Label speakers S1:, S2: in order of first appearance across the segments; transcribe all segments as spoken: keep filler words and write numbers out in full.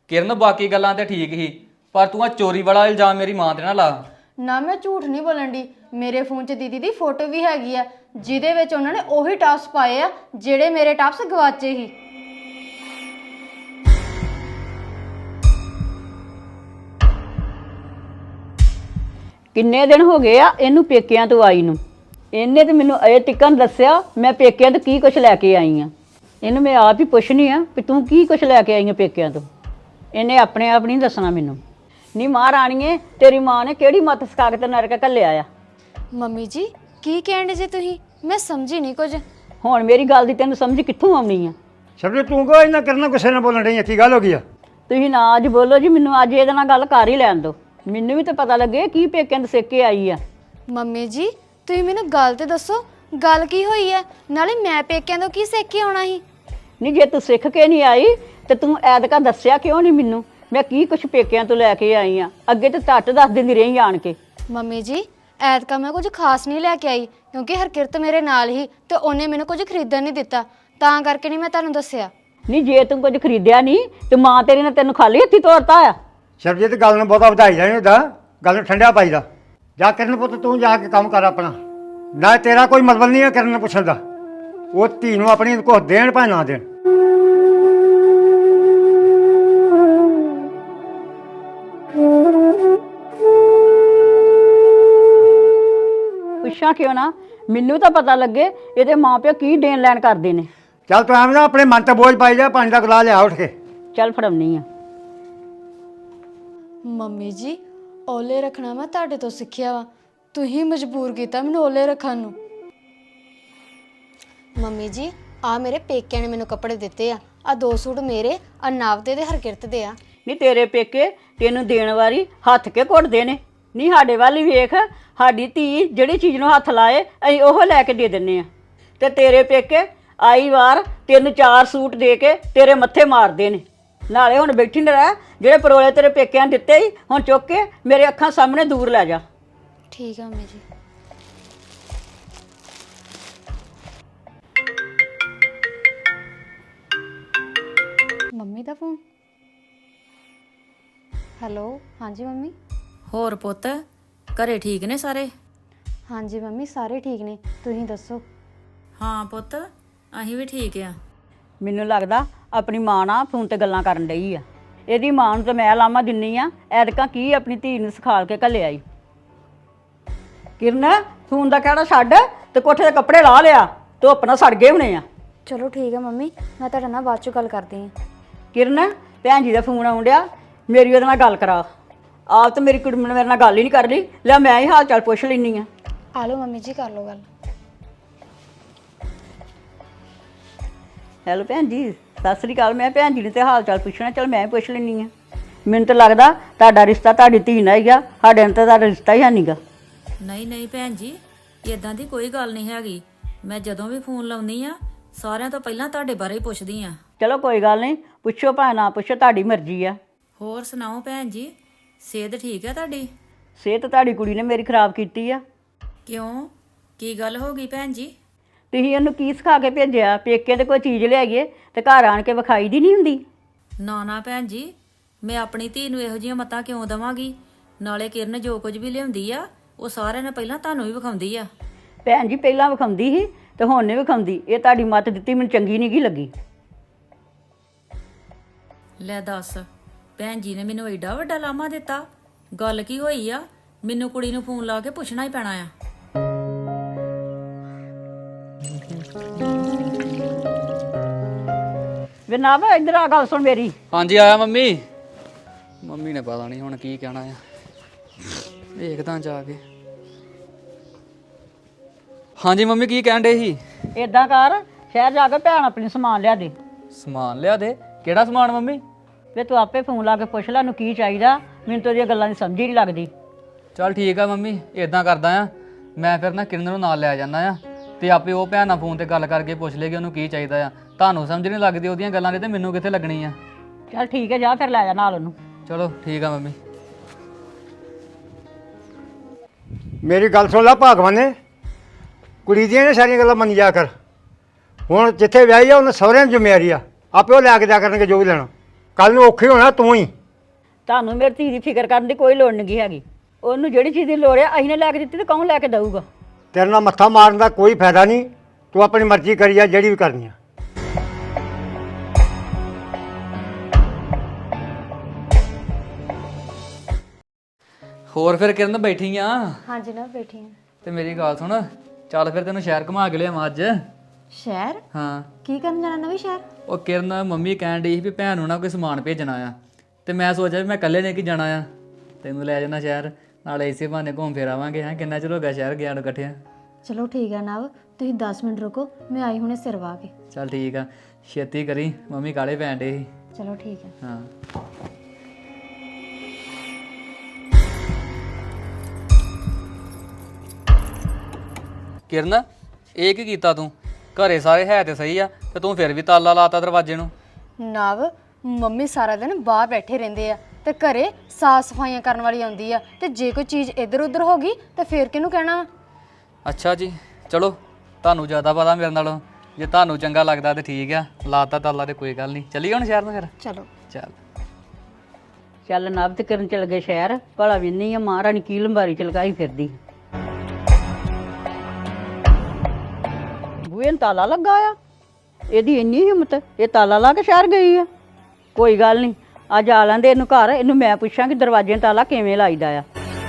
S1: किरण बाकी गल्लां ते ठीक ही पर तू आ चोरी वाला इल्जाम मेरी मां ते ना ला।
S2: ना मैं झूठ नहीं बोलन डी, मेरे फोन च दीदी दी फोटो भी हैगी आ जिहदे विच उन्हां ने ओही टॉप्स पाए आ ਜਿਹੜੇ ਮੇਰੇ ਟਾਪਸ ਗਵਾਚੇ ਹੀ।
S3: ਕਿੰਨੇ ਦਿਨ ਹੋ ਗਏ ਆ ਇਹਨੂੰ ਪੇਕਿਆਂ ਤੋਂ ਆਈ ਨੂੰ। ਇਹਨੇ ਤੇ ਮੈਨੂੰ ਅਜੇ ਟਿਕਣ ਦੱਸਿਆ ਮੈਂ ਪੇਕਿਆਂ ਤੋਂ ਕੀ ਕੁਛ ਲੈ ਕੇ ਆਈ ਆ। ਇਹਨੂੰ ਮੈਂ ਆਪ ਹੀ ਪੁੱਛਣੀ ਆ ਵੀ ਤੂੰ ਕੀ ਕੁਛ ਲੈ ਕੇ ਆਈ ਆ ਪੇਕਿਆਂ ਤੋਂ। ਇਹਨੇ ਆਪਣੇ ਆਪ ਨਹੀਂ ਦੱਸਣਾ ਮੈਨੂੰ। ਨੀ ਮਹਾਰਾਣੀਏ ਤੇਰੀ ਮਾਂ ਨੇ ਕਿਹੜੀ ਮੱਤ ਸਿਖਾ ਕੇ ਤੇ ਨਰਕ ਘੱਲਿਆ ਆ।
S2: ਮੰਮੀ ਜੀ ਕੀ ਕਹਿੰਦੇ ਜੇ ਤੁਸੀਂ? ਮੈਂ ਸਮਝੀ ਨਹੀਂ ਕੁਝ।
S3: ਹੁਣ ਮੇਰੀ ਗੱਲ ਦੀ ਤੈਨੂੰ ਸਮਝ ਕਿੱਥੋਂ ਆਉਣੀ ਆ?
S4: ਸ਼ਬਰੀ ਤੂੰ ਕੋ ਇਹਨਾਂ ਕਰਨਾ ਗੁੱਸੇ ਨਾਲ ਬੋਲਣ ਰਹੀ ਆ, ਕੀ ਗੱਲ ਹੋ ਗਈ ਆ?
S3: ਤੁਸੀਂ ਨਾ ਅੱਜ ਬੋਲੋ ਜੀ, ਮੈਨੂੰ ਅੱਜ ਇਹਦੇ ਨਾਲ ਗੱਲ ਕਰ ਹੀ ਲੈਣ ਦਿਓ। ਮੈਨੂੰ ਵੀ ਤਾਂ ਪਤਾ ਲੱਗੇ ਕੀ ਪੇਕਿਆਂ ਤੋਂ ਸਿੱਖ ਕੇ ਆਈ ਆ।
S2: ਮੰਮੀ ਜੀ ਤੁਸੀਂ ਮੈਨੂੰ ਗੱਲ ਤੇ ਦੱਸੋ, ਗੱਲ ਕੀ ਹੋਈ ਹੈ? ਨਾਲੇ ਮੈਂ ਪੇਕਿਆਂ ਤੋਂ ਕੀ ਸਿੱਖ ਕੇ ਆਉਣਾ ਸੀ?
S3: ਨਹੀਂ ਜੇ ਤੂੰ ਸਿੱਖ ਕੇ ਨਹੀਂ ਆਈ ਤੇ ਤੂੰ ਐਤਕਾ ਦੱਸਿਆ ਕਿਉਂ ਨਹੀਂ ਮੈਨੂੰ? ਮੈਂ ਕੀ ਕੁਛ ਪੇਕਿਆਂ ਤੋਂ ਲੈ ਕੇ ਆਈ ਆ। ਅੱਗੇ ਤੇ ਟੱਟ ਦੱਸ ਦਿੰਦੀ ਰਹੀ ਆਣ ਕੇ।
S2: ਮੰਮੀ ਜੀ ਐਤਕਾ ਮੈਂ ਕੁਝ ਖਾਸ ਨਹੀਂ ਲੈ ਕੇ ਆਈ ਕਿਉਂਕਿ ਹਰਕਿਰਤ ਮੇਰੇ ਨਾਲ ਹੀ ਤੇ ਉਹਨੇ ਮੈਨੂੰ ਕੁਝ ਖਰੀਦਣ ਨਹੀਂ ਦਿੱਤਾ, ਤਾਂ ਕਰਕੇ ਨਹੀਂ ਮੈਂ ਤੁਹਾਨੂੰ ਦੱਸਿਆ।
S3: ਨਹੀਂ ਜੇ ਤੂੰ ਕੁਝ ਖਰੀਦਿਆ ਨਹੀਂ ਤੇ ਮਾਂ ਤੇਰੀ ਨੇ ਤੈਨੂੰ ਖਾਲੀ ਹੱਥੀ ਤੋਰਤਾ ਆ।
S4: ਸ਼ਬਜੀਤ ਗੱਲ ਨੂੰ ਬਹੁਤਾ ਵਧਾਈ ਜਾਣੀ ਹੁੰਦਾ, ਗੱਲ ਨੂੰ ਠੰਡਿਆ ਪਾਈਦਾ। ਜਾ ਕਰਨ ਪੁੱਤ ਤੂੰ ਜਾ ਕੇ ਕੰਮ ਕਰ ਆਪਣਾ। ਨਾ ਤੇਰਾ ਕੋਈ ਮਤਲਬ ਨਹੀਂ ਹੈ ਕਰਨ ਨੂੰ ਪੁੱਛਣ ਦਾ। ਉਹ ਧੀ ਨੂੰ ਆਪਣੀ ਕੁਛ ਦੇਣ ਭਾਵੇਂ ਨਾ ਦੇਣ।
S3: ਪੁੱਛਾਂ ਕਿਉਂ ਨਾ, ਮੈਨੂੰ ਤਾਂ ਪਤਾ ਲੱਗੇ ਇਹਦੇ ਮਾਂ ਪਿਓ ਕੀ ਦੇਣ ਲੈਣ ਕਰਦੇ ਨੇ।
S4: ਚੱਲ ਤੂੰ ਐਵੇਂ ਨਾ ਆਪਣੇ ਮਨ ਤੇ ਬੋਝ ਪਾਈ ਜਾ। ਪਾਣੀ ਦਾ ਗਲਾ ਲਿਆ ਉੱਠ ਕੇ।
S3: ਚੱਲ ਫੜਾਉਣੀ ਆ।
S2: ਮੰਮੀ ਜੀ ਓਲੇ ਰੱਖਣਾ ਮੈਂ ਤੁਹਾਡੇ ਤੋਂ ਸਿੱਖਿਆ ਵਾ, ਤੁਸੀਂ ਮਜਬੂਰ ਕੀਤਾ ਮੈਨੂੰ ਓਲੇ ਰੱਖਣ ਨੂੰ। ਮੰਮੀ ਜੀ ਆ ਮੇਰੇ ਪੇਕਿਆਂ ਨੇ ਮੈਨੂੰ ਕੱਪੜੇ ਦਿੱਤੇ ਆ, ਆ ਦੋ ਸੂਟ ਮੇਰੇ ਆ ਨਵ ਦੇ ਤੇ ਹਰਕਿਰਤ ਦੇ ਆ।
S3: ਨਹੀਂ ਤੇਰੇ ਪੇਕੇ ਤੈਨੂੰ ਦੇਣ ਵਾਰੀ ਹੱਥ ਕੇ ਘੁੱਟਦੇ ਨੇ। ਨਹੀਂ ਸਾਡੇ ਵੱਲ ਹੀ ਵੇਖ, ਸਾਡੀ ਧੀ ਜਿਹੜੀ ਚੀਜ਼ ਨੂੰ ਹੱਥ ਲਾਏ ਅਸੀਂ ਉਹ ਲੈ ਕੇ ਦੇ ਦਿੰਨੇ ਆ। ਤੇ ਤੇਰੇ ਪੇਕੇ ਆਈ ਵਾਰ ਤੈਨੂੰ ਚਾਰ ਸੂਟ ਦੇ ਕੇ ਤੇਰੇ ਮੱਥੇ ਮਾਰਦੇ ਨੇ। ਨਾਲੇ ਹੁਣ ਬੈਠੀ ਨਾ ਰਹਿ, ਜਿਹੜੇ ਪਰੋਲੇ ਤੇਰੇ ਪੇਕਿਆਂ ਨੇ ਦਿੱਤੇ ਹੀ ਹੁਣ ਚੁੱਕ ਕੇ ਮੇਰੇ ਅੱਖਾਂ ਸਾਹਮਣੇ ਦੂਰ ਲੈ ਜਾ।
S2: ਠੀਕ ਆ ਮੰਮੀ ਜੀ। ਮੰਮੀ ਦਾ ਫੋਨ। ਹੈਲੋ ਹਾਂਜੀ ਮੰਮੀ।
S5: ਹੋਰ ਪੁੱਤ ਘਰੇ ਠੀਕ ਨੇ ਸਾਰੇ?
S2: ਹਾਂਜੀ ਮੰਮੀ ਸਾਰੇ ਠੀਕ ਨੇ, ਤੁਸੀਂ ਦੱਸੋ?
S5: ਹਾਂ ਪੁੱਤ ਅਸੀਂ ਵੀ ਠੀਕ ਆ।
S3: ਮੈਨੂੰ ਲੱਗਦਾ ਆਪਣੀ ਮਾਂ ਨਾਲ ਫੋਨ ਤੇ ਗੱਲਾਂ ਕਰਨ ਡਈ ਆ। ਇਹਦੀ ਮਾਂ ਨੂੰ ਤਾਂ ਮੈਂ ਲਾਮਾ ਦਿੰਨੀ ਆ, ਐਤਕਾਂ ਕੀ ਆਪਣੀ ਧੀ ਨੂੰ ਸਿਖਾਲ ਕੇ ਘੱਲਿਆ ਈ। ਕਿਰਨ ਫੋਨ ਦਾ ਕਹਿਣਾ ਛੱਡ ਤੇ ਕੋਠੇ ਦੇ ਕੱਪੜੇ ਲਾ ਲਿਆ, ਧੁੱਪ ਨਾਲ ਸੜ ਗਏ ਹੋਣੇ ਆ।
S2: ਚਲੋ ਠੀਕ ਆ ਮੰਮੀ, ਮੈਂ ਤੁਹਾਡੇ ਨਾਲ ਬਾਅਦ ਚੋਂ ਗੱਲ ਕਰਦੀ ਹਾਂ।
S3: ਕਿਰਨ ਭੈਣ ਜੀ ਦਾ ਫੋਨ ਆਉਣ ਡਿਆ, ਮੇਰੀ ਉਹਦੇ ਨਾਲ ਗੱਲ ਕਰਾ। ਆਪ ਤਾਂ ਮੇਰੀ ਕੁੜੀ ਨੇ ਮੇਰੇ ਨਾਲ ਗੱਲ ਹੀ ਨਹੀਂ ਕਰ ਰਹੀ, ਲੈ ਮੈਂ ਹੀ ਹਾਲ ਚਾਲ ਪੁੱਛ ਲੈਂਦੀ ਆ।
S2: ਆ ਲਓ ਮੰਮੀ ਜੀ ਕਰ ਲਓ ਗੱਲ।
S3: ਹੈਲੋ ਭੈਣ ਜੀ ਸਤਿ ਸ੍ਰੀ ਅਕਾਲ। ਮੈਂ ਭੈਣ ਜੀ ਨੇ ਤੇ ਹਾਲ ਚਾਲ ਪੁੱਛਣਾ, ਚਲ ਮੈਂ ਹੀ ਪੁੱਛ ਲੈਂਦੀ ਆ। ਮੈਨੂੰ ਤਾਂ ਲੱਗਦਾ ਤੁਹਾਡਾ ਰਿਸ਼ਤਾ ਤੁਹਾਡੀ ਧੀ ਨਾਲ ਹੀ ਆ, ਸਾਡੇ ਨਾਲ ਤਾਂ ਤੁਹਾਡਾ ਰਿਸ਼ਤਾ ਹੀ ਹੈ ਨਹੀਂਗਾ।
S5: ਨਹੀਂ ਨਹੀਂ ਭੈਣ ਜੀ ਇਦਾਂ ਦੀ ਕੋਈ ਗੱਲ ਨਹੀਂ ਹੈਗੀ। ਮੈਂ ਜਦੋਂ ਵੀ ਫੋਨ ਲਾਉਂਦੀ ਆ ਸਾਰਿਆਂ ਤੋਂ ਪਹਿਲਾਂ ਤੁਹਾਡੇ ਬਾਰੇ ਹੀ ਪੁੱਛਦੀ ਆ।
S3: ਚਲੋ ਕੋਈ ਗੱਲ ਨਹੀਂ, ਪੁੱਛੋ ਭਾਵੇਂ ਨਾ ਪੁੱਛੋ, ਤੁਹਾਡੀ ਮਰਜ਼ੀ ਆ।
S5: ਹੋਰ ਸੁਣਾਓ ਭੈਣ ਜੀ, ਸਿਹਤ ਠੀਕ ਹੈ ਤੁਹਾਡੀ?
S3: ਸਿਹਤ ਤੁਹਾਡੀ ਕੁੜੀ ਨੇ ਮੇਰੀ ਖਰਾਬ ਕੀਤੀ ਆ।
S5: ਕਿਉਂ ਕੀ ਗੱਲ ਹੋ ਗਈ ਭੈਣ ਜੀ?
S3: ਤੁਸੀਂ ਉਹਨੂੰ ਕੀ ਸਿਖਾ ਕੇ ਭੇਜਿਆ? ਪੇਕੇ ਤੇ ਕੋਈ ਚੀਜ਼ ਲਿਆਈਏ ਤੇ ਘਰ ਆਣ ਕੇ ਵਿਖਾਈ ਦੀ ਨਹੀਂ ਹੁੰਦੀ।
S5: ਨਾ ਨਾ ਭੈਣ ਜੀ ਮੈਂ ਆਪਣੀ ਧੀ ਨੂੰ ਇਹੋ ਜਿਹੀਆਂ ਮੱਤਾਂ ਕਿਉਂ ਦੇਵਾਂਗੀ? ਨਾਲੇ ਕਿਰਨ ਜੋ ਕੁਝ ਵੀ ਲਿਆਉਂਦੀ ਆ ਉਹ ਸਾਰਿਆਂ ਨੇ ਪਹਿਲਾਂ ਤੁਹਾਨੂੰ ਹੀ ਵਿਖਾਉਂਦੀ ਆ।
S3: ਭੈਣ ਜੀ ਪਹਿਲਾਂ ਵਿਖਾਉਂਦੀ ਸੀ ਤੇ ਹੁਣ ਨਹੀਂ ਵਿਖਾਉਂਦੀ। ਇਹ ਤੁਹਾਡੀ ਮੱਤ ਦਿੱਤੀ ਮੈਨੂੰ ਚੰਗੀ ਨਹੀਂ ਗੀ ਲੱਗੀ।
S5: ਲੈ ਦੱਸ ਭੈਣ ਜੀ ਨੇ ਮੈਨੂੰ ਐਡਾ ਵੱਡਾ ਲਾਮਾ ਦਿੱਤਾ। ਗੱਲ ਕੀ ਹੋਈ ਆ? ਮੈਨੂੰ ਕੁੜੀ ਨੂੰ ਫੋਨ ਲਾ ਕੇ ਪੁੱਛਣਾ ਹੀ ਪੈਣਾ ਆ।
S3: ਵੇ ਨਾ ਵੇ ਇੱਧਰ ਆ, ਗੱਲ ਸੁਣ ਮੇਰੀ।
S1: ਹਾਂਜੀ ਆਇਆ ਮੰਮੀ। ਮੰਮੀ ਨੇ ਪਤਾ ਨਹੀਂ ਹੁਣ ਕੀ ਕਹਿਣਾ ਆ, ਵੇਖਦਾ ਜਾ ਕੇ। ਹਾਂਜੀ ਮੰਮੀ ਕੀ ਕਹਿਣ ਡੇ ਸੀ?
S3: ਏਦਾਂ ਕਰ, ਸ਼ਹਿਰ ਜਾ ਕੇ ਭੈਣ ਆਪਣੀ ਸਮਾਨ ਲਿਆ ਦੇ।
S1: ਸਮਾਨ ਲਿਆ ਦੇ? ਕਿਹੜਾ ਸਮਾਨ ਮੰਮੀ?
S3: ਵੇ ਤੂੰ ਆਪੇ ਫੋਨ ਲਾ ਕੇ ਪੁੱਛ ਲੈ ਉਹਨੂੰ ਕੀ ਚਾਹੀਦਾ। ਮੈਨੂੰ ਤਾਂ ਉਹਦੀਆਂ ਗੱਲਾਂ ਦੀ ਸਮਝ ਹੀ ਨਹੀਂ ਲੱਗਦੀ।
S1: ਚੱਲ ਠੀਕ ਆ ਮੰਮੀ, ਇਦਾਂ ਕਰਦਾ ਆ ਮੈਂ ਫਿਰ ਨਾ ਕਿਰਨ ਨੂੰ ਨਾਲ ਲੈ ਜਾਂਦਾ ਆ ਤੇ ਆਪੇ ਉਹ ਭੈਣ ਨਾਲ ਫੋਨ ਤੇ ਗੱਲ ਕਰਕੇ ਪੁੱਛ ਲੇਗੀ ਉਹਨੂੰ ਕੀ ਚਾਹੀਦਾ ਆ। ਤੁਹਾਨੂੰ ਸਮਝ ਨਹੀਂ ਲੱਗਦੀ ਉਹਦੀਆਂ ਗੱਲਾਂ ਦੀ ਤੇ ਮੈਨੂੰ ਕਿੱਥੇ ਲੱਗਣੀ ਆ।
S3: ਚੱਲ ਠੀਕ ਹੈ, ਜਾ ਫਿਰ ਲੈ ਜਾ ਨਾਲ ਉਹਨੂੰ।
S1: ਚਲੋ ਠੀਕ ਆ ਮੰਮੀ।
S4: ਮੇਰੀ ਗੱਲ ਸੁਣ ਲੈ ਭਾਗਵਾਨੇ, ਕੁੜੀ ਦੀਆਂ ਨੇ ਸਾਰੀਆਂ ਗੱਲਾਂ ਮੰਨ ਜਾ ਕਰ। ਹੁਣ ਜਿੱਥੇ ਵਿਆਹੀ ਆ ਉਹਨੇ ਸਹੁਰਿਆਂ ਦੀ ਜ਼ਿੰਮੇਵਾਰੀ ਆ, ਆਪੇ ਉਹ ਲੈ ਕੇ ਜਾ ਕਰਨਗੇ ਜੋ ਵੀ ਲੈਣਾ। ਕੱਲ ਨੂੰ ਔਖੀ ਹੋਣਾ ਤੂੰ ਹੀ।
S3: ਤੁਹਾਨੂੰ ਮੇਰੀ ਧੀ ਦੀ ਫਿਕਰ ਕਰਨ ਦੀ ਕੋਈ ਲੋੜ ਨਹੀਂ ਹੈਗੀ। ਉਹਨੂੰ ਜਿਹੜੀ ਚੀਜ਼ ਦੀ ਲੋੜ ਹੈ ਅਸੀਂ ਨੇ ਲੈ ਕੇ ਦਿੱਤੀ ਤੇ ਕੌਣ ਲੈ ਕੇ ਦਊਗਾ?
S4: ਤੇਰੇ ਨਾਲ ਮੱਥਾ ਮਾਰਨ ਦਾ ਕੋਈ ਫਾਇਦਾ ਨਹੀਂ। ਤੂੰ ਆਪਣੀ ਮਰਜ਼ੀ ਕਰੀ ਜਾ ਜਿਹੜੀ ਵੀ ਕਰਨੀ ਆ।
S1: ਹੋਰ ਫਿਰ ਕਿਰਨ ਬੈਠੀ ਆ
S2: ਹਾਂਜੀ ਨਾ ਬੈਠੀ ਹਾਂ।
S1: ਤੇ ਮੇਰੀ ਗੱਲ ਸੁਣ, ਚੱਲ ਫਿਰ ਤੈਨੂੰ ਸ਼ਹਿਰ ਘੁਮਾ ਕੇ ਲਿਆਵਾਂ ਅੱਜ।
S2: ਸ਼ਹਿਰ?
S1: ਹਾਂ
S2: ਕੀ ਕਰਨ ਜਾਣਾ ਨਵੀਂ ਸ਼ਹਿਰ?
S1: ਉਹ ਕਿਰਨ ਮੰਮੀ ਕਹਿਣ ਡਈ ਸੀ ਵੀ ਭੈਣ ਨੂੰ ਨਾ ਕੋਈ ਸਮਾਨ ਭੇਜਣਾ ਆ, ਤੇ ਮੈਂ ਸੋਚਿਆ ਵੀ ਮੈਂ ਇਕੱਲੇ ਨੇ ਕੀ ਜਾਣਾ ਆ, ਤੈਨੂੰ ਲੈ ਜਾਣਾ ਸ਼ਹਿਰ, ਨਾਲੇ ਇਸੇ ਬਹਾਨੇ ਘੁੰਮ ਫਿਰ ਆਵਾਂਗੇ। ਹੈਂ ਕਿੰਨਾ ਚਿਰ ਹੋ ਗਿਆ ਸ਼ਹਿਰ ਗਿਆ ਨੂੰ ਇਕੱਠਿਆਂ।
S2: ਚਲੋ ਠੀਕ ਹੈ ਨਵ, ਤੁਸੀਂ ਦਸ ਮਿੰਟ ਰੁਕੋ, ਮੈਂ ਆਈ ਹੁਣੇ ਸਿਰ ਵਾ ਕੇ।
S1: ਚੱਲ ਠੀਕ ਆ, ਛੇਤੀ ਕਰੀ, ਮੰਮੀ ਕਾਲੇ ਪੈਣ ਡੇ ਸੀ।
S2: ਚਲੋ ਠੀਕ ਹੈ।
S1: ਹਾਂ ਕਿਰਨ, ਇਹ ਕੀ ਕੀਤਾ ਤੂੰ? ਘਰੇ ਸਾਰੇ ਹੈ ਤੇ ਸਹੀ ਆ, ਤੇ ਤੂੰ ਫਿਰ ਵੀ ਤਾਲਾ ਲਾਤਾ ਦਰਵਾਜ਼ੇ ਨੂੰ।
S2: ਨਵ, ਮੰਮੀ ਸਾਰਾ ਦਿਨ ਬਾਹਰ ਬੈਠੇ ਰਹਿੰਦੇ ਆ ਤੇ ਘਰੇ ਸਾਫ ਸਫਾਈਆਂ ਕਰਨ ਵਾਲੀ ਆਉਂਦੀ ਆ, ਤੇ ਜੇ ਕੋਈ ਚੀਜ਼ ਇੱਧਰ ਉੱਧਰ ਹੋ ਗਈ ਤੇ ਫੇਰ ਕਿਹਨੂੰ ਕਹਿਣਾ ਵਾ?
S1: ਅੱਛਾ ਜੀ, ਚਲੋ ਤੁਹਾਨੂੰ ਜ਼ਿਆਦਾ ਪਤਾ ਮੇਰੇ ਨਾਲੋਂ, ਜੇ ਤੁਹਾਨੂੰ ਚੰਗਾ ਲੱਗਦਾ ਤੇ ਠੀਕ ਆ, ਲਾਤਾ ਤਾਲਾ ਤੇ ਕੋਈ ਗੱਲ ਨਹੀਂ। ਚੱਲੀਏ ਹੁਣ ਸ਼ਹਿਰ ਨੂੰ ਫਿਰ।
S2: ਚਲੋ।
S1: ਚੱਲ
S3: ਚੱਲ ਨਵ ਤੇ ਕਰਨ ਚਲ ਗਏ ਸ਼ਹਿਰ, ਭਲਾ ਵੀ ਨਹੀਂ ਆ ਮਹਾਰਾਣੀ ਕੀ ਲੰਬਾਰੀ ਚ ਲਗਾਈ ਫਿਰਦੀ। ਬੂਹੇ ਨੂੰ ਤਾਲਾ ਲੱਗਾ ਆ, ਇਹਦੀ ਇੰਨੀ ਹਿੰਮਤ, ਇਹ ਤਾਲਾ ਲਾ ਕੇ ਸ਼ਹਿਰ ਗਈ ਆ। ਕੋਈ ਗੱਲ ਨਹੀਂ, ਅੱਜ ਆ ਲੈਂਦੇ ਇਹਨੂੰ ਘਰ, ਇਹਨੂੰ ਮੈਂ ਪੁੱਛਾਂਗੀ ਦਰਵਾਜ਼ੇ ਨੂੰ ਤਾਲਾ ਕਿਵੇਂ ਲਾਈਦਾ ਆ।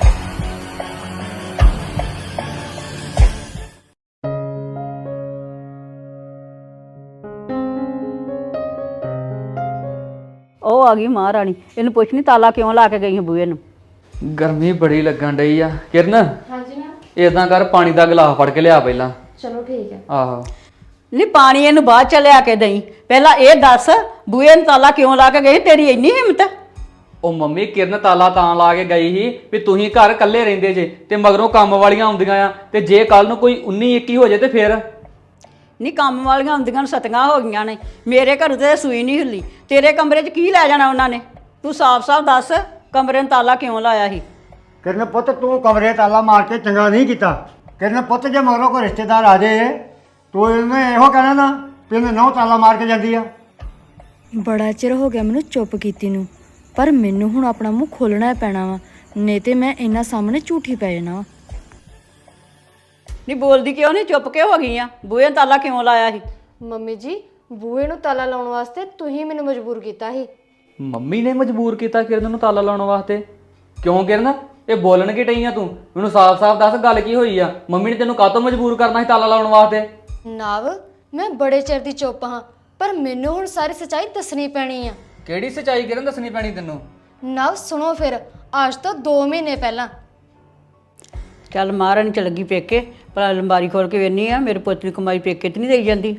S3: ਉਹ ਆ ਗਈ ਮਹਾਰਾਣੀ, ਇਹਨੂੰ ਪੁੱਛਣੀ ਤਾਲਾ ਕਿਉਂ ਲਾ ਕੇ ਗਈ ਹੈ ਬੂਹੇ ਨੂੰ।
S1: ਗਰਮੀ ਬੜੀ ਲੱਗਣ ਡਈ ਆ। ਕਿਰਨ,
S2: ਹਾਂਜੀ ਨਾ।
S1: ਇਦਾਂ ਕਰ, ਪਾਣੀ ਦਾ ਗਲਾਸ ਫੜ ਕੇ ਲਿਆ ਪਹਿਲਾਂ।
S2: ਚਲੋ ਠੀਕ ਹੈ।
S1: ਆਹੋ
S3: ਨਹੀਂ ਪਾਣੀ ਇਹਨੂੰ ਬਾਅਦ ਚ ਲਿਆ ਕੇ ਦਈ, ਪਹਿਲਾਂ ਇਹ ਦੱਸ ਬੂਹੇ ਨੂੰ ਤਾਲਾ ਕਿਉਂ ਲਾ ਕੇ ਗਈ? ਤੇਰੀ ਇੰਨੀ ਹਿੰਮਤ?
S1: ਉਹ ਮੰਮੀ, ਕਿਰਨ ਤਾਲਾ ਤਾਂ ਲਾ ਕੇ ਗਈ ਸੀ ਵੀ ਤੁਸੀਂ ਘਰ ਇਕੱਲੇ ਰਹਿੰਦੇ ਜੇ ਤੇ ਮਗਰੋਂ ਕੰਮ ਵਾਲੀਆਂ ਆਉਂਦੀਆਂ ਆ, ਤੇ ਜੇ ਕੱਲ ਨੂੰ ਕੋਈ ਉੱਨੀ ਇੱਕੀ ਹੋ ਜੇ ਤੇ ਫਿਰ?
S3: ਨਹੀਂ ਕੰਮ ਵਾਲੀਆਂ ਹੁੰਦੀਆਂ ਨੂੰ ਸਤੀਆਂ ਹੋ ਗਈਆਂ ਨੇ, ਮੇਰੇ ਘਰ ਤੇ ਸੂਈ ਨਹੀਂ ਹਿੱਲੀ, ਤੇਰੇ ਕਮਰੇ 'ਚ ਕੀ ਲੈ ਜਾਣਾ ਉਹਨਾਂ ਨੇ? ਤੂੰ ਸਾਫ਼-ਸਾਫ਼ ਦੱਸ ਕਮਰੇ ਨੂੰ ਤਾਲਾ ਕਿਉਂ ਲਾਇਆ ਸੀ?
S4: ਕਿਰਨ ਪੁੱਤ, ਤੂੰ ਕਮਰੇ ਤਾਲਾ ਮਾਰ ਕੇ ਚੰਗਾ ਨਹੀਂ ਕੀਤਾ। ਕਿਰਨ ਪੁੱਤ, ਜੇ ਮਗਰੋਂ ਕੋਈ ਰਿਸ਼ਤੇਦਾਰ ਆ ਜਾਏ ਤੂੰ ਇਹਨੇ ਇਹੋ ਕਹਿਣਾ ਨਾ ਵੀ ਇਹਨੇ ਨਹੁੰ ਤਾਲਾ ਮਾਰ ਕੇ ਜਾਂਦੀ ਆ।
S2: ਬੜਾ ਚਿਰ ਹੋ ਗਿਆ ਮੈਨੂੰ ਚੁੱਪ ਕੀਤੀ ਨੂੰ, ਪਰ ਮੈਨੂੰ ਹੁਣ ਆਪਣਾ ਮੂੰਹ ਖੋਲਣਾ ਪੈਣਾ ਵਾ, ਨਹੀਂ ਤੇ ਮੈਂ ਇਹਨਾਂ ਸਾਹਮਣੇ ਝੂਠੀ ਪੈ ਜਾਣਾ ਵਾ।
S3: ਨਹੀਂ ਬੋਲਦੀ ਕਿਉਂ ਨਹੀਂ? ਚੁੱਪ ਕਿਉਂ ਹੋ ਗਈ ਆ? ਬੂਹੇ ਨੂੰ ਤਾਲਾ ਕਿਉਂ ਲਾਇਆ ਸੀ?
S2: ਮੰਮੀ ਜੀ, ਬੂਹੇ ਨੂੰ ਤਾਲਾ ਲਾਉਣ ਵਾਸਤੇ ਤੁਸੀਂ ਮੈਨੂੰ ਮਜਬੂਰ ਕੀਤਾ ਸੀ।
S1: ਮੰਮੀ ਨੇ ਮਜਬੂਰ ਕੀਤਾ ਕਿਰਨ ਨੂੰ ਤਾਲਾ ਲਾਉਣ ਵਾਸਤੇ? ਕਿਉਂ ਕਿਰਨ, ਇਹ ਬੋਲਣ ਕੀ ਡਈ ਆ ਤੂੰ? ਮੈਨੂੰ ਸਾਫ਼-ਸਾਫ਼ ਦੱਸ, ਗੱਲ ਕੀ ਹੋਈ ਆ? ਮੰਮੀ ਨੇ ਤੈਨੂੰ ਕਾਹਤੋਂ ਮਜਬੂਰ ਕਰਨਾ ਸੀ ਤਾਲਾ ਲਾਉਣ ਵਾਸਤੇ?
S2: ਨਵ, ਮੈਂ ਬੜੇ ਚਿਰ ਦੀ ਚੁੱਪ ਹਾਂ, ਪਰ ਮੈਨੂੰ ਹੁਣ ਸਾਰੀ ਸੱਚਾਈ ਦੱਸਣੀ ਪੈਣੀ ਆ।
S1: ਕਿਹੜੀ ਸੱਚਾਈ ਕਿਰਨ ਦੱਸਣੀ ਪੈਣੀ ਤੈਨੂੰ?
S2: ਨਵ ਸੁਣੋ ਫਿਰ, ਅੱਜ ਤੋਂ ਦੋ ਮਹੀਨੇ ਪਹਿਲਾਂ
S3: ਚੱਲ ਮਹਾਰਾਣੀ ਚ ਲੱਗੀ ਪੇਕੇ, ਪਰ ਅਲਮਾਰੀ ਖੋਲ ਕੇ ਵੇਖਨੀ ਆ ਮੇਰੇ ਪੁੱਤ ਦੀ ਕਮਾਈ ਪੇਕੇ ਤੇ ਨਹੀਂ ਦੇਈ ਜਾਂਦੀ।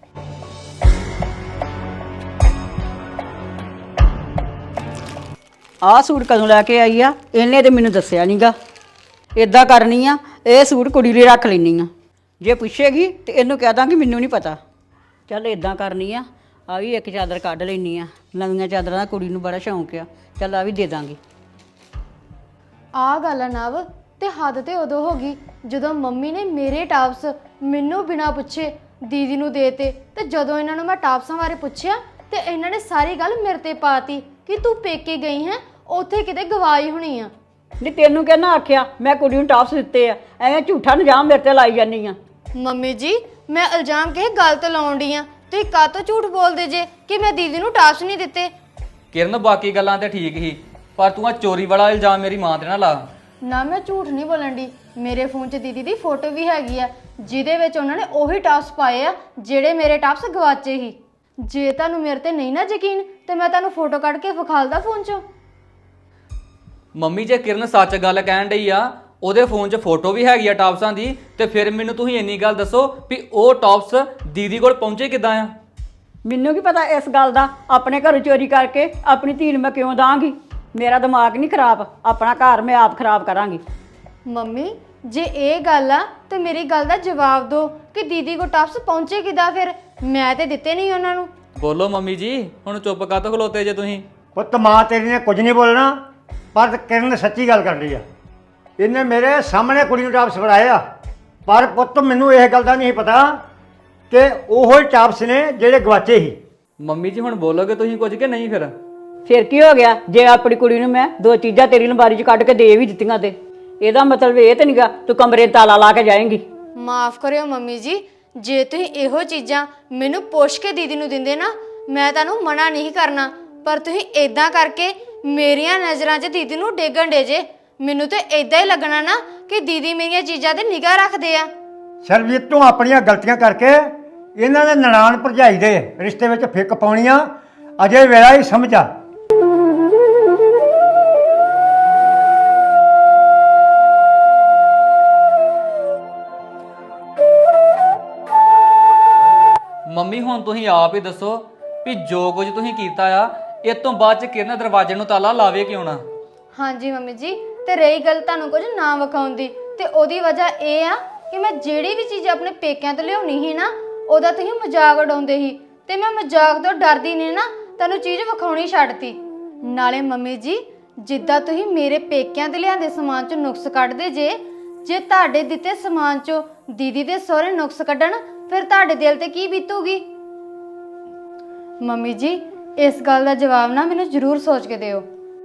S3: ਆਹ ਸੂਟ ਕਦੋਂ ਲੈ ਕੇ ਆਈ ਆ? ਇਹਨੇ ਤੇ ਮੈਨੂੰ ਦੱਸਿਆ ਨਹੀਂਗਾ। ਇਦਾਂ ਕਰਨੀ ਆ, ਇਹ ਸੂਟ ਕੁੜੀ ਲਈ ਰੱਖ ਲੈਣੀ ਆ, ਜੇ ਪੁੱਛੇਗੀ ਤੇ ਇਹਨੂੰ ਕਹਿ ਦਾਂਗੀ ਮੈਨੂੰ ਨਹੀਂ ਪਤਾ। ਚੱਲ ਇਦਾਂ ਕਰਨੀ ਆ, ਆ ਵੀ ਇੱਕ ਚਾਦਰ ਕੱਢ ਲੈਣੀ ਆ, ਨਵੀਆਂ ਚਾਦਰਾਂ ਦਾ ਕੁੜੀ ਨੂੰ ਬੜਾ ਸ਼ੌਂਕ ਆ, ਚੱਲ ਆ ਵੀ ਦੇ ਦਾਂਗੀ।
S2: ਆਹ ਗੱਲ ਆ ਨਵ, ਤੇ ਹੱਦ ਤੇ ਉਦੋਂ ਹੋ ਗਈ ਜਦੋਂ ਮੰਮੀ ਨੇ ਮੇਰੇ ਟਾਪਸ ਮੈਨੂੰ ਬਿਨਾਂ ਪੁੱਛੇ ਦੀਦੀ ਨੂੰ ਦੇਤੇ, ਤੇ ਜਦੋਂ ਇਹਨਾਂ ਨੂੰ ਮੈਂ ਟਾਪਸਾਂ ਬਾਰੇ ਪੁੱਛਿਆ ਤੇ ਇਹਨਾਂ ਨੇ ਸਾਰੀ ਗੱਲ ਮੇਰੇ ਤੇ ਪਾਤੀ ਕਿ ਤੂੰ ਪੇਕੇ ਗਈ ਹੈ, ਉੱਥੇ ਕਿਤੇ ਗਵਾਈ ਹੋਣੀ ਆ।
S3: ਨਹੀਂ ਤੈਨੂੰ ਕਹਿਣਾ ਆਖਿਆ ਮੈਂ ਕੁੜੀ ਨੂੰ ਟਾਪਸ ਦਿੱਤੇ ਆ, ਐਵੇਂ ਝੂਠਾ ਇਲਜ਼ਾਮ ਮੇਰੇ ਤੇ ਲਾਈ ਜਾਂਦੀ ਆ।
S2: ਮੰਮੀ ਜੀ, ਮੈਂ ਇਲਜ਼ਾਮ ਕਿਸੇ ਗੱਲ ਤੇ ਲਾਉਣ ਡਈ ਆ, ਤੁਸੀਂ ਕਾਹਤੋਂ ਝੂਠ ਬੋਲਦੇ ਜੇ ਕਿ ਮੈਂ ਦੀਦੀ ਨੂੰ ਟਾਪਸ ਨਹੀਂ ਦਿੱਤੇ?
S1: ਕਿਰਨ, ਬਾਕੀ ਗੱਲਾਂ ਤੇ ਠੀਕ ਹੀ, ਪਰ ਤੂੰ ਆ ਚੋਰੀ ਵਾਲਾ ਇਲਜ਼ਾਮ ਮੇਰੀ ਮਾਂ ਤੇ ਨਾ ਲਾ।
S2: ਨਾ, ਮੈਂ ਝੂਠ ਨਹੀਂ ਬੋਲਣ ਦੀ, ਮੇਰੇ ਫੋਨ 'ਚ ਦੀਦੀ ਦੀ ਫੋਟੋ ਵੀ ਹੈਗੀ ਆ, ਜਿਹਦੇ ਵਿੱਚ ਉਹਨਾਂ ਨੇ ਉਹੀ ਟਾਪਸ ਪਾਏ ਆ ਜਿਹੜੇ ਮੇਰੇ ਟਾਪਸ ਗਵਾਚੇ ਸੀ। ਜੇ ਤੁਹਾਨੂੰ ਮੇਰੇ ਤੇ ਨਹੀਂ ਨਾ ਯਕੀਨ ਤੇ ਮੈਂ ਤੁਹਾਨੂੰ ਫੋਟੋ ਕੱਢ ਕੇ ਵਿਖਾਲਦਾ ਫੋਨ 'ਚੋਂ।
S1: ਮੰਮੀ, ਜੇ ਕਿਰਨ ਸੱਚ ਗੱਲ ਕਹਿਣ ਡਈ ਆ, ਉਹਦੇ ਫੋਨ 'ਚ ਫੋਟੋ ਵੀ ਹੈਗੀ ਆ ਟਾਪਸਾਂ ਦੀ, ਤੇ ਫਿਰ ਮੈਨੂੰ ਤੁਸੀਂ ਇੰਨੀ ਗੱਲ ਦੱਸੋ ਵੀ ਉਹ ਟਾਪਸ ਦੀਦੀ ਕੋਲ ਪਹੁੰਚੇ ਕਿੱਦਾਂ ਆ?
S3: ਮੈਨੂੰ ਕੀ ਪਤਾ ਇਸ ਗੱਲ ਦਾ? ਆਪਣੇ ਘਰੋਂ ਚੋਰੀ ਕਰਕੇ ਆਪਣੀ ਧੀ ਨੂੰ ਮੈਂ ਕਿਉਂ ਦਾਂਗੀ? ਮੇਰਾ ਦਿਮਾਗ ਨਹੀਂ ਖਰਾਬ, ਆਪਣਾ ਘਰ ਮੈਂ ਆਪ ਖਰਾਬ ਕਰਾਂਗੀ।
S2: ਮੰਮੀ, ਜੇ ਇਹ ਗੱਲ ਆ ਤੇ ਮੇਰੀ ਗੱਲ ਦਾ ਜਵਾਬ ਦਿਓ ਕਿ ਦੀਦੀ ਕੋ ਟਾਪਸ ਪਹੁੰਚੇ ਕਿੱਦਾਂ? ਫਿਰ ਮੈਂ ਤੇ ਦਿੱਤੇ ਨਹੀਂ ਉਹਨਾਂ ਨੂੰ।
S1: ਬੋਲੋ ਮੰਮੀ ਜੀ, ਹੁਣ ਚੁੱਪ ਕਾਹਤੋਂ ਖਲੋਤੇ ਜੇ ਤੁਸੀਂ?
S4: ਪੁੱਤ, ਮਾਂ ਤੇਰੀ ਨੇ ਕੁਝ ਨਹੀਂ ਬੋਲਣਾ, ਪਰ ਕਿਰਨ ਸੱਚੀ ਗੱਲ ਕਰ ਰਹੀ ਆ। ਇਹਨੇ ਮੇਰੇ ਸਾਹਮਣੇ ਕੁੜੀ ਨੂੰ ਟਾਪਸ ਫੜਾਏ ਆ, ਪਰ ਪੁੱਤ ਮੈਨੂੰ ਇਹ ਗੱਲ ਦਾ ਨਹੀਂ ਪਤਾ ਕਿ ਉਹੋ ਹੀ ਟਾਪਸ ਨੇ ਜਿਹੜੇ ਗਵਾਚੇ ਸੀ।
S1: ਮੰਮੀ ਜੀ, ਹੁਣ ਬੋਲੋਗੇ ਤੁਸੀਂ ਕੁਝ ਕਿ ਨਹੀਂ? ਫਿਰ
S3: ਫਿਰ ਕੀ ਹੋ ਗਿਆ ਜੇ ਆਪਣੀ ਕੁੜੀ ਨੂੰ ਮੈਂ ਦੋ ਚੀਜ਼ਾਂ ਤੇਰੀ ਲੰਬਾਰੀ 'ਚ ਕੱਢ ਕੇ ਦੇ ਵੀ ਦਿੱਤੀਆਂ ਤੇ ਇਹਦਾ ਮਤਲਬ ਇਹ ਤੇ ਨਹੀਂਗਾ ਤੂੰ ਕਮਰੇ 'ਚ ਤਾਲਾ ਲਾ ਕੇ ਜਾਏਂਗੀ।
S2: ਮਾਫ ਕਰਿਓ ਮੰਮੀ ਜੀ, ਜੇ ਤੁਸੀਂ ਇਹੋ ਚੀਜ਼ਾਂ ਮੈਨੂੰ ਪੁੱਛ ਕੇ ਦੀਦੀ ਨੂੰ ਦਿੰਦੇ ਨਾ ਮੈਂ ਤੁਹਾਨੂੰ ਮਨਾ ਨਹੀਂ ਕਰਨਾ, ਪਰ ਤੁਸੀਂ ਇਦਾਂ ਕਰਕੇ ਮੇਰੀਆਂ ਨਜ਼ਰਾਂ 'ਚ ਦੀਦੀ ਨੂੰ ਡੇਗਣ ਡੇ ਜੇ। ਮੈਨੂੰ ਤੇ ਇਦਾਂ ਹੀ ਲੱਗਣਾ ਨਾ ਕਿ ਦੀਦੀ ਮੇਰੀਆਂ ਚੀਜ਼ਾਂ ਤੇ ਨਿਗਾਹ ਰੱਖਦੇ ਆ।
S4: ਸਰਬਜੀਤ ਤੂੰ ਆਪਣੀਆਂ ਗਲਤੀਆਂ ਕਰਕੇ ਇਹਨਾਂ ਦੇ ਨਨਾਣ ਭਰਜਾਈ ਦੇ ਰਿਸ਼ਤੇ ਵਿੱਚ ਫਿੱਕ ਪਾਉਣੀਆਂ ਅਜੇ ਵੇਲਾ ਹੀ ਸਮਝ ਆ।
S1: ਮੰਮੀ ਹੁਣ ਤੁਸੀਂ ਆਪ ਹੀ ਦੱਸੋ ਵੀ ਜੋ ਕੁਝ ਤੁਸੀਂ ਕੀਤਾ ਆ ਇਹ ਤੋਂ ਬਾਅਦ ਚ ਕਿਰਨ ਦਰਵਾਜ਼ੇ ਨੂੰ ਤਾਲਾ ਲਾਵੇ ਕਿਉਂ ਨਾ?
S2: ਹਾਂਜੀ ਮੰਮੀ ਜੀ, ਤੇ ਰਹੀ ਗੱਲ ਤੁਹਾਨੂੰ ਕੁਝ ਨਾ ਵਿਖਾਉਣ ਦੀ, ਤੇ ਉਹਦੀ ਵਜ੍ਹਾ ਇਹ ਆ ਕਿ ਮੈਂ ਜਿਹੜੀ ਵੀ ਚੀਜ਼ ਆਪਣੇ ਪੇਕਿਆਂ ਤੋਂ ਲਿਆਉਣੀ ਸੀ ਨਾ ਉਹਦਾ ਤੁਸੀਂ ਮਜ਼ਾਕ ਉਡਾਉਂਦੇ ਸੀ, ਤੇ ਮੈਂ ਮਜ਼ਾਕ ਤੋਂ ਡਰਦੀ ਨਹੀਂ ਨਾ ਤੁਹਾਨੂੰ ਚੀਜ਼ ਵਿਖਾਉਣੀ ਛੱਡਤੀ। ਨਾਲੇ ਮੰਮੀ ਜੀ, ਜਿੱਦਾਂ ਤੁਸੀਂ ਮੇਰੇ ਪੇਕਿਆਂ ਤੇ ਲਿਆਂਦੇ ਸਮਾਨ 'ਚੋਂ ਨੁਕਸ ਕੱਢਦੇ ਜੇ, ਜੇ ਤੁਹਾਡੇ ਦਿੱਤੇ ਸਮਾਨ 'ਚੋਂ ਦੀਦੀ ਦੇ ਸਹੁਰੇ ਨੁਕਸ ਕੱਢਣ ਫਿਰ ਤੁਹਾਡੇ ਦਿਲ ਤੇ ਕੀ ਬੀਤੂਗੀ? ਮੰਮੀ ਜੀ, ਇਸ ਗੱਲ ਦਾ ਜਵਾਬ ਨਾ ਮੈਨੂੰ ਜ਼ਰੂਰ ਸੋਚ ਕੇ ਦਿਓ।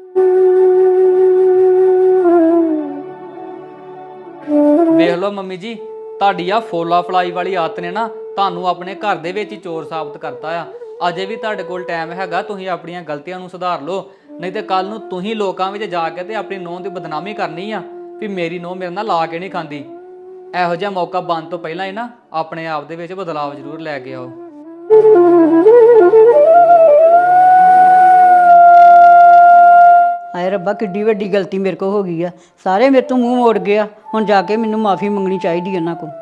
S1: ਵੇਖ ਲਓ ਮੰਮੀ ਜੀ, ਤੁਹਾਡੀ ਆ ਫੋਲਾ ਫਲਾਈ ਵਾਲੀ ਆਦਤ ਨੇ ਨਾ ਤੁਹਾਨੂੰ ਆਪਣੇ ਘਰ ਦੇ ਵਿੱਚ ਹੀ ਚੋਰ ਸਾਬਤ ਕਰਤਾ ਆ। ਅਜੇ ਵੀ ਤੁਹਾਡੇ ਕੋਲ ਟਾਈਮ ਹੈਗਾ, ਤੁਸੀਂ ਆਪਣੀਆਂ ਗਲਤੀਆਂ ਨੂੰ ਸੁਧਾਰ ਲਓ, ਨਹੀਂ ਤੇ ਕੱਲ ਨੂੰ ਤੁਸੀਂ ਲੋਕਾਂ ਵਿੱਚ ਜਾ ਕੇ ਤੇ ਆਪਣੀ ਨੂੰਹ ਦੀ ਬਦਨਾਮੀ ਕਰਨੀ ਆ ਵੀ ਮੇਰੀ ਨੂੰਹ ਮੇਰੇ ਨਾਲ ਲਾ ਕੇ ਨਹੀਂ ਖਾਂਦੀ। ਇਹੋ ਜਿਹਾ ਮੌਕਾ ਬਣਨ ਤੋਂ ਪਹਿਲਾਂ ਹੀ ਨਾ ਆਪਣੇ ਆਪ ਦੇ ਵਿੱਚ ਬਦਲਾਵ ਜ਼ਰੂਰ ਲੈ ਕੇ ਆਓ।
S3: ਹਾਏ ਰੱਬਾ, ਕਿੱਡੀ ਵੱਡੀ ਗਲਤੀ ਮੇਰੇ ਕੋਲ ਹੋ ਗਈ ਆ। ਸਾਰੇ ਮੇਰੇ ਤੋਂ ਮੂੰਹ ਮੋੜ ਗਏ ਆ, ਹੁਣ ਜਾ ਕੇ ਮੈਨੂੰ ਮਾਫੀ ਮੰਗਣੀ ਚਾਹੀਦੀ ਇਹਨਾਂ ਕੋਲ।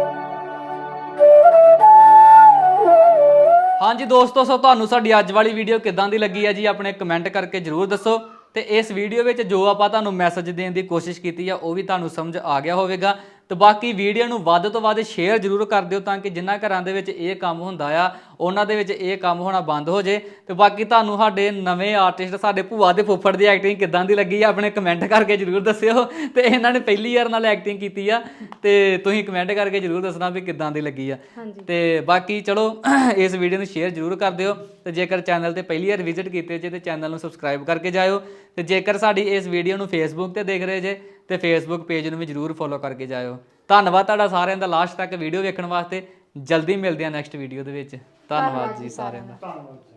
S1: ਹਾਂਜੀ ਦੋਸਤੋ, ਸੋ ਤੁਹਾਨੂੰ ਸਾਡੀ ਅੱਜ ਵਾਲੀ ਵੀਡੀਓ ਕਿੱਦਾਂ ਦੀ ਲੱਗੀ ਹੈ ਜੀ ਆਪਣੇ ਕਮੈਂਟ ਕਰਕੇ ਜ਼ਰੂਰ ਦੱਸੋ। ਤੇ ਇਸ ਵੀਡੀਓ ਵਿੱਚ ਜੋ ਆਪਾਂ ਤੁਹਾਨੂੰ ਮੈਸੇਜ ਦੇਣ ਦੀ ਕੋਸ਼ਿਸ਼ ਕੀਤੀ ਆ ਉਹ ਵੀ ਤੁਹਾਨੂੰ ਸਮਝ ਆ ਗਿਆ ਹੋਵੇਗਾ। ਤੇ ਬਾਕੀ ਵੀਡੀਓ ਨੂੰ ਵੱਧ ਤੋਂ ਵੱਧ ਸ਼ੇਅਰ ਜ਼ਰੂਰ ਕਰ ਦਿਓ ਤਾਂ ਕਿ ਜਿਨ੍ਹਾਂ ਘਰਾਂ ਦੇ ਵਿੱਚ ਇਹ ਕੰਮ ਹੁੰਦਾ ਆ ਉਹਨਾਂ ਦੇ ਵਿੱਚ ਇਹ ਕੰਮ ਹੋਣਾ ਬੰਦ ਹੋ ਜੇ। ਤੇ ਬਾਕੀ ਤੁਹਾਨੂੰ ਸਾਡੇ ਨਵੇਂ ਆਰਟਿਸਟ ਸਾਡੇ ਭੂਆ ਦੇ ਫੁੱਫੜ ਦੀ ਐਕਟਿੰਗ ਕਿੱਦਾਂ ਦੀ ਲੱਗੀ ਆ ਆਪਣੇ ਕਮੈਂਟ ਕਰਕੇ ਜ਼ਰੂਰ ਦੱਸਿਓ। ਤੇ ਇਹਨਾਂ ਨੇ ਪਹਿਲੀ ਵਾਰ ਨਾਲ ਐਕਟਿੰਗ ਕੀਤੀ ਆ ਤੇ ਤੁਸੀਂ ਕਮੈਂਟ ਕਰਕੇ ਜ਼ਰੂਰ ਦੱਸਣਾ ਵੀ ਕਿੱਦਾਂ ਦੀ ਲੱਗੀ ਆ। ਤੇ ਬਾਕੀ ਚਲੋ ਇਸ ਵੀਡੀਓ ਨੂੰ ਸ਼ੇਅਰ ਜ਼ਰੂਰ ਕਰ ਦਿਓ। ਤੇ ਜੇਕਰ ਚੈਨਲ ਤੇ ਪਹਿਲੀ ਵਾਰ ਵਿਜ਼ਿਟ ਕੀਤੇ ਜੇ ਤੇ ਚੈਨਲ ਨੂੰ ਸਬਸਕ੍ਰਾਈਬ ਕਰਕੇ ਜਾਇਓ। ਤੇ ਜੇਕਰ ਸਾਡੀ ਇਸ ਵੀਡੀਓ ਨੂੰ ਫੇਸਬੁੱਕ ਤੇ ਦੇਖ ਰਹੇ ਜੇ ਤੇ ਫੇਸਬੁੱਕ ਪੇਜ ਨੂੰ ਵੀ ਜ਼ਰੂਰ ਫੋਲੋ ਕਰਕੇ ਜਾਇਓ। ਧੰਨਵਾਦ ਤੁਹਾਡਾ ਸਾਰਿਆਂ ਦਾ ਲਾਸਟ ਤੱਕ ਵੀਡੀਓ ਵੇਖਣ ਵਾਸਤੇ। ਜਲਦੀ ਮਿਲਦੇ ਆ ਨੈਕਸਟ ਵੀਡੀਓ ਦੇ ਵਿੱਚ। ਧੰਨਵਾਦ ਜੀ ਸਾਰਿਆਂ ਦਾ।